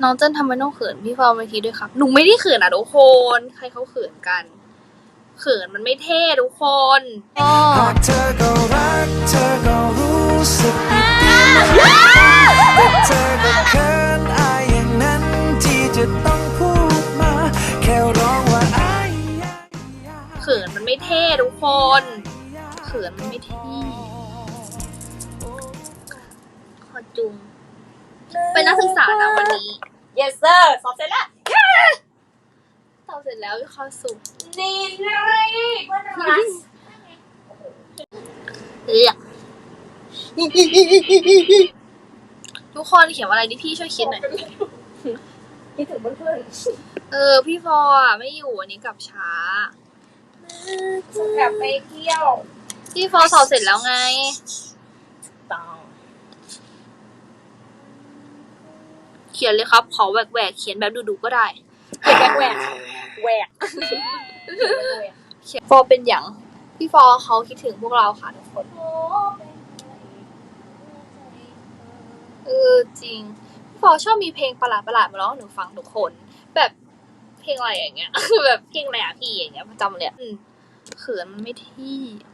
น้องเจิ้นทำไมต้องเขินพี่ฟอร์มเวทีด้วยครับหนูไม่ได้เขินทุกคนใครเขาเขินกันเขินมันไม่เท่ทุกคนหากเธอก็รักเธอก็รู้สึกดีแต่เธอก็เขินอายอย่างนั้นที่จะต้องพูดมาแค่ร้องว่าอายเขินมันไม่เท่ทุกคนเขินมันไม่เท่ขอจุงเป็นนักศึกษานะวันนี้ yes sir สอบเสร็จแล้วสอบเสร็จแล้วเข้าสู่ดีเลยเพื่อนรักทุกคนเขียนว่าอะไรดิพี่ช่วยคิดหน่อยคิดถึงเพื่อนพี่ฟอร์ไม่อยู่วันนี้กลับช้ากลับไปเที่ยวพี่ฟอร์สอบเสร็จแล้วไงต้องเขียนเลยครับขอแหวกเขียนแบบดุๆก็ได้เขียนแหวกฟอร์เป็นอย่างพี่ฟอร์เขาคิดถึงพวกเราค่ะทุกคนจริงพี่ฟอร์ชอบมีเพลงประหลาดมาร้องให้หนูฟังทุกคนแบบเพลงอะไรอย่างเงี้ยแบบเพลงอะไรอะพี่อย่างเงี้ยประจำเลยเขินมันไม่ที่